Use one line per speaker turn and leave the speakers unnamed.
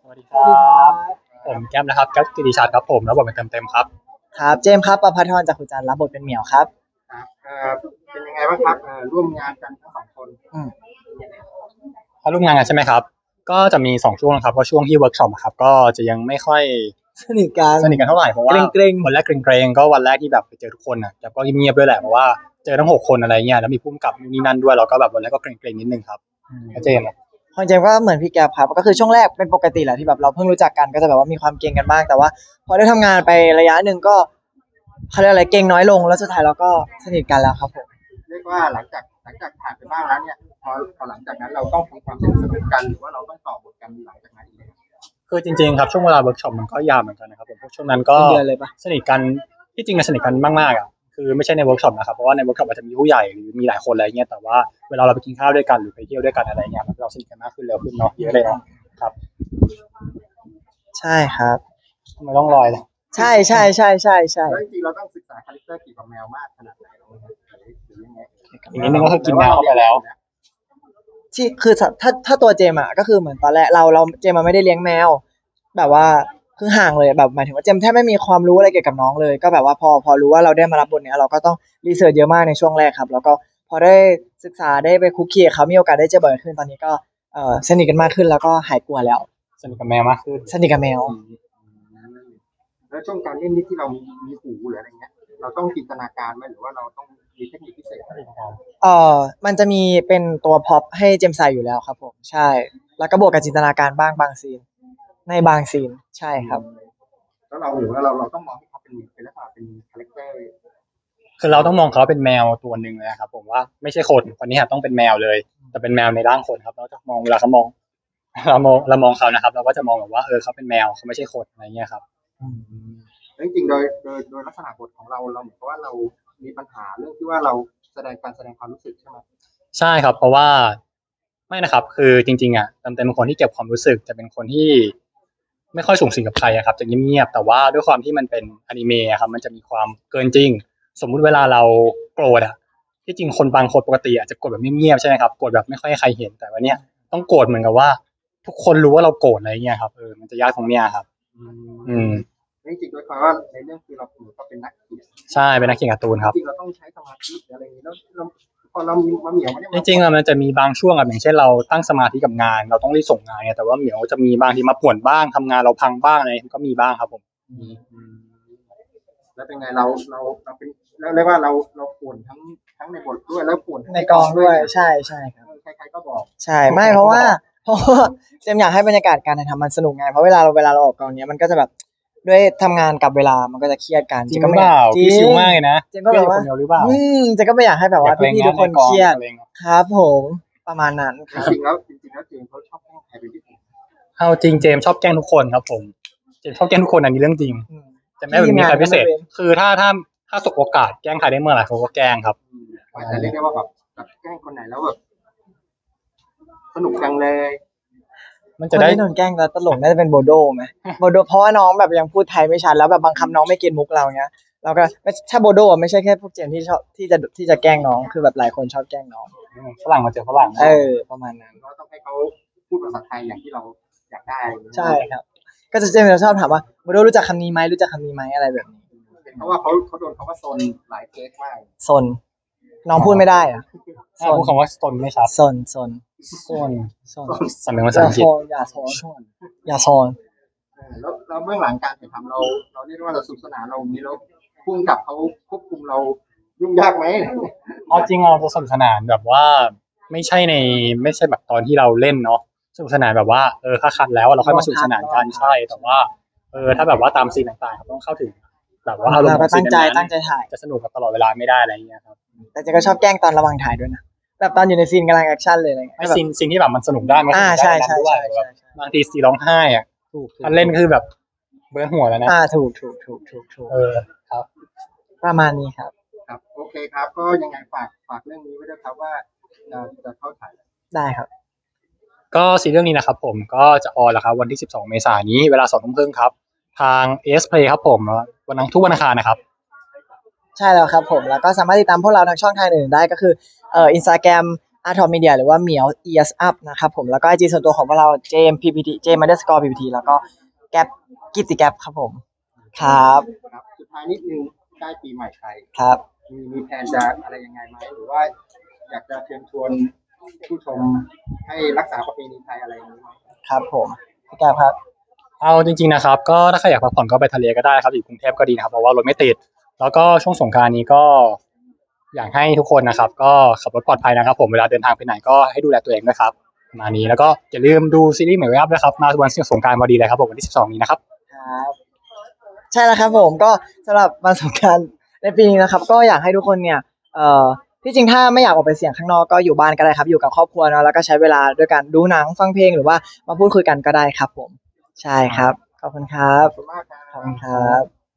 สวัสดีครับผมแก้มนะครับแก้มกิติชาติครับผมแล้วบทเป็นเต็มครับ
ครับเจมส์ครับประภาธรจากขุจันทร์รับบทเป็นเหมียวครับ
ครับเป็นยังไงบ้างครับร่วมงานกันทั้งสองคน
อืม
ถ้าร่วมงานกันใช่ไหมครับก็จะมี2 ช่วงนะครับเพราะช่วงที่เวิร์กช็อปครับก็จะยังไม่ค่อย
สนิทกัน
เท่าไหร่เพราะว่า
เกรง
วันแรกเกรงๆก็วันแรกที่แบบไปเจอทุกคนนะแต่ก็เงียบๆด้วยแหละเพราะว่าเจอทั้ง6 คนอะไรเงี้ยแล้วมีผู้กำกับนู่นนี่นั่นด้วยเราก็แบบวันแรกก็เกรงๆนิดนึงครับแล้วเจมส์อะ
ของเจมส์ก็เหมือนพี่แก๊ปครับก็คือช่วงแรกเป็นปกติแหละที่แบบเราเพิ่งรู้จักกันก็จะแบบว่ามีความเกรงกันบ้างแต่ว่าพอได้ทำงานไประยะหนึ่งก็เขาเรียกอะไรเกรงน้อยลงแล้วสุดท้ายเราก็สนิทกันแล้วครับผม
เรียกว่าหลังจากผ่านไปบ้างแล้วเนี่ยพอหลังจากนั้นเราต้องทำความสนิทกันหรือว่าเราต้องต่อบทกันหลังจากนั้นอีกไหม
คือจริงๆครับช่วงเวลาเวิร์กช็อปมันก็ยาวเหมือนกันนะครับผมช่วงนั้นก็
เป็นเดือนเลยปะ
สนิทกันที่จริงสนิทกันมากๆอ่ะคือไม่ใช่ในเวิร์กช็อปนะครับเพราะว่าในเวิร์กช็อปอาจจะมีผู้ใหญ่หรือมีหลายคนอะไรเงี้ยแต่ว่าเวลาเราไปกินข้าวด้วยกันหรือไปเที่ยวด้วยกันอะไรเงี้ยเราสนิทกันมากขึ้นเร็วขึ้นเนาะเยอะเลยเนาะครับ
ใช่ครับ
ทำไมต้องลอยเลย
ใช่
แล้วจริงๆเราต้องศึกษาคาแรคเตอร์เกี่ยวกับแมวมากขนาดไหนหรือยังไง
อีกนิดนึงก็คือกินแมวเข้าไปแล้ว
ที่คือถ้าตัวเจมส์อะก็คือเหมือนตอนแรกเราเจมส์มันไม่ได้เลี้ยงแมวแบบว่าคือห่างเลยแบบหมายถึงว่าเจมส์แทบไม่มีความรู้อะไรเกี่ยวกับน้องเลยก็แบบว่าพอรู้ว่าเราได้มารับบทเนี้ยเราก็ต้องรีเสิร์ชเยอะมากในช่วงแรกครับแล้วก็พอได้ศึกษาได้ไปคุกคีกับเขามีโอกาสได้เจอบ่อยขึ้นตอนนี้ก็สนิทกันมากขึ้นแล้วก็หายกลัวแล้ว
สนิทกับแมวมากขึ้น
สนิทกับแมว
แล้วช่วงการเล่นนี่ที่เรามีหูหรืออะไรเงี้ยเราต้องจินตนาการไหมหรือว่าเราต้องมีเทคนิคพิเศษอะไร
เอ่มันจะมีเป็นตัวพ็อปให้เจมส์ใส่อยู่แล้วครับผมใช่แล้วก็บวกกับจินตนาการบ้างบางซีนในบางซีนใช่ครับ
แล้วเราหรือว่าเราต้องมองให้เขาเป็นลักษณะเป็นคาแรคเตอร์
คือเราต้องมองเขาเป็นแมวตัวหนึ่งเลยครับผมว่าไม่ใช่คนนี้ต้องเป็นแมวเลยแต่เป็นแมวในร่างคนครับเราจะมองเวลาเขามองเรามองเขานะครับเราก็จะมองแบบว่าเขาเป็นแมวเขาไม่ใช่คนอะไรเงี้ยครับ
จริงๆโดยลักษณะบทของเราเหมือนกับว่าเรามีปัญหาเรื่องที่ว่าเราแสดงความรู้สึกใช่ไหม
ใช่ครับเพราะว่าไม่นะครับคือจริงๆอ่ะเต็มเป็นคนที่เก็บความรู้สึกจะเป็นคนที่ไม่ค่อยสูงสิงกับใครอะครับจะเงียบๆแต่ว่าด้วยความที่มันเป็นอนิเมะอะครับมันจะมีความเกินจริงสมมุติเวลาเราโกรธอ่ะที่จริงคนบางคนปกติอาจจะโกรธแบบเงียบๆใช่ไหมครับโกรธแบบไม่ค่อยให้ใครเห็นแต่ว่าเนี้ยต้องโกรธเหมือนกับว่าทุกคนรู้ว่าเราโกรธอะไรเงี้ยครับมันจะยากตรงเนี้ยครับอืม
จริงๆโดยความว่าในเรื่องคือเราก็เป็นนักเขียน
ใช่เป็นนักเขียนการ์ตูนครับ
จริงๆเราต้องใช้สมาธิอะไรอย่างนี้แล้วพอเรามีมาเหมียวเนี่ย
จริงๆอะมันจะมีบางช่วงอะอย่างเช่นเราตั้งสมาธิกับงานเราต้องรีบส่งงานไงแต่ว่าเหมียวจะมีบางทีมาป่วนบ้างทำงานเราพังบ้างอะไรก็มีบ้างครับผม
แล้วเป็นไงเราเป็นแล้วเรียกว่าเราป่วนทั้งในบทด้วยแล้วป่วน
ในกองด้วยใช่ครับ
ใครๆก็บอก
ใช่ไม่เพราะว่าเจมส์อยากให้บรรยากาศการถ่ายทำมันสนุกไงเพราะเวลาเราออกกองเนี้ยมันก็จะแบบด้วยทำงานกับเวลามันก็จะเครียดกัน
จริงหรือเปล่าพี่ชิวมากเลยนะ
เจมส์ก็แบบว่า
คนเดียวหรือเปล่า
เจมส์ก็ไม่อยากให้แบบว่าพี่ๆทุกคนเครียดครับผมประมาณนั้น
จ
ครับ
ริงๆแล้วเจมส์เขาชอบแกล้งใครเป็นพิเศษ
เอาจริงเจมส์ชอบแกล้งทุกคนครับผมเจมส์ชอบแกล้งทุกคนอันนี้เรื่องจริงจะไม่แบบมีใครพิเศษคือถ้าสบโอกาสแกล้งใครได้เมื่อไหร่เขาก็แกล้งครับ
แต่เรียกได้ว่าแบบแกล้งคนไหนแล้วแบบสนุกจังเลย
มัน
คน
จะได้
ที่โดนแกล้งแล้วตลกน่าจะเป็นโบโดไหมโบโดเพราะว่าน้องแบบยังพูดไทยไม่ชัดแล้วแบบบางคำน้องไม่เก็ตมุกเราเงี้ยเราก็ถ้าโบโดไม่ใช่แค่พวกเจมส์ที่ชอบที่จะแกล้งน้องคือแบบหลายคนชอบแกล้งน้อง
ฝรั่งมาเจอฝรั่ง
ประมาณนั้น
ก็ต้องให้เขาพูดภาษาไทยอย่างที่เราอยากได้
ใช่ครับก็จะเจมส์ชอบถามว่าโบโดรู้จักคำนี้ไหมรู้จักคำนี้ไหมอะไรแบบนี้
เพราะว่าเขาโดนเขาว่าโซนหลายเคสมาก
ซนน้องพูดไม่ได้อะ
พูดคำว่าตนไม่ชัด
ซน
ส่วน
ซน
สำเนียงภาษาอังกฤษ
อย่าโซน
แล้วเบื้องหลังการถ่ายทำเราเรียกว่าเราสนุกสนานเรามีแล้วพุ่งกับเขาควบคุมเรายุ่งยากไหม
เอาจริงเราจะสนุกสนานแบบว่าไม่ใช่แบบตอนที่เราเล่นเนาะสนุกสนานแบบว่าถ้าคัดแล้วเราค่อยมาสนุกสนานกันใช่แต่ว่าถ้าแบบว่าตามซีนต่างๆครับต้องเข้าถึงแบบว่าอารมณ์ของซีนนั้น
ตั้งใจถ่าย
จะสนุกกับตลอดเวลาไม่ได้อะไรอย่างเงี้ยครับ
แต่เจก็ชอบแกล้งตอนระหว่างถ่ายด้วยนะแบบตอนอยู่ในซีนกำลังแอคชั่นเลยอะไรเงี้ย
ไอ้ซีนที่แบบมันสนุกได้มันสนุกได้นั้นด้วยบางทีซีร้องไห้อ่ะอันเล่นคือแบบเบิ้ลหัวแล้วนะ
ถูก
ครับ
ประมาณนี้ครับ
ครับโอเคครับก็ยังไงฝากเรื่องนี้ไว้ด้วยครับว่าจะเข้าถ่าย
ได้ครับ
ก็ซีรีส์เรื่องนี้นะครับผมก็จะออนแล้วครับวันที่12 เมษายนนี้เวลา 20:30 นครับทาง AS Play ครับผมวันทุกวันอังคารนะครับ
ใช่แล้วครับผมแล้วก็สามารถติดตามพวกเราทางช่องทางอื่นได้ก็คือInstagram Art of Media หรือว่าเหมียว Ears Up นะครับผมแล้วก็ IG ส่วนตัวของพวกเรา JMPPT JM_PPT แล้วก็แก๊ปกิตติแก๊ปครับผมครับ
ครับสุดท้ายนิดนึงใกล้ปีใหม่ไทย
ครับ
มีแผนจะอะไรยังไงไหมหรือว่าอยากจะเชิญชวนผู้ชมให้รักษาประเพณีไทยอะไรอย่างนี้ไหม
ครับผมพี่แก๊ปครับ
เอาจริงๆนะครับก็ถ้าใครอยากพักผ่อนก็ไปทะเลก็ได้ครับอยู่กรุงเทพก็ดีนะครับเพราะว่ารถไม่ติดแล้วก็ช่วงสงกรานต์นี้ก็อยากให้ทุกคนนะครับก็ขับรถปลอดภัยนะครับผมเวลาเดินทางไปไหนก็ให้ดูแลตัวเองด้วยครับประมาณนี้แล้วก็อย่าลืมดูซีรีส์ใหม่เว็บด้วยครับมาวันสงกรานต์พอดีเลยครับผมวันที่12นี้นะครับ
ครับใช่แล้วครับผมก็สำหรับวันสงกรานต์ในปีนี้นะครับ ก็อยากให้ทุกคนเนี่ยที่จริงถ้าไม่อยากออกไปเสี่ยงข้างนอกก็อยู่บ้านก็ได้ครับอยู่กับครอบครัวเนาะแล้วก็ใช้เวลาด้วยกันดูหนังฟังเพลงหรือว่ามาพูดคุยกันก็ได้ครับผมใช่ครับขอบคุณครับ
ขอบคุณมากครับ
ขอบคุณครับ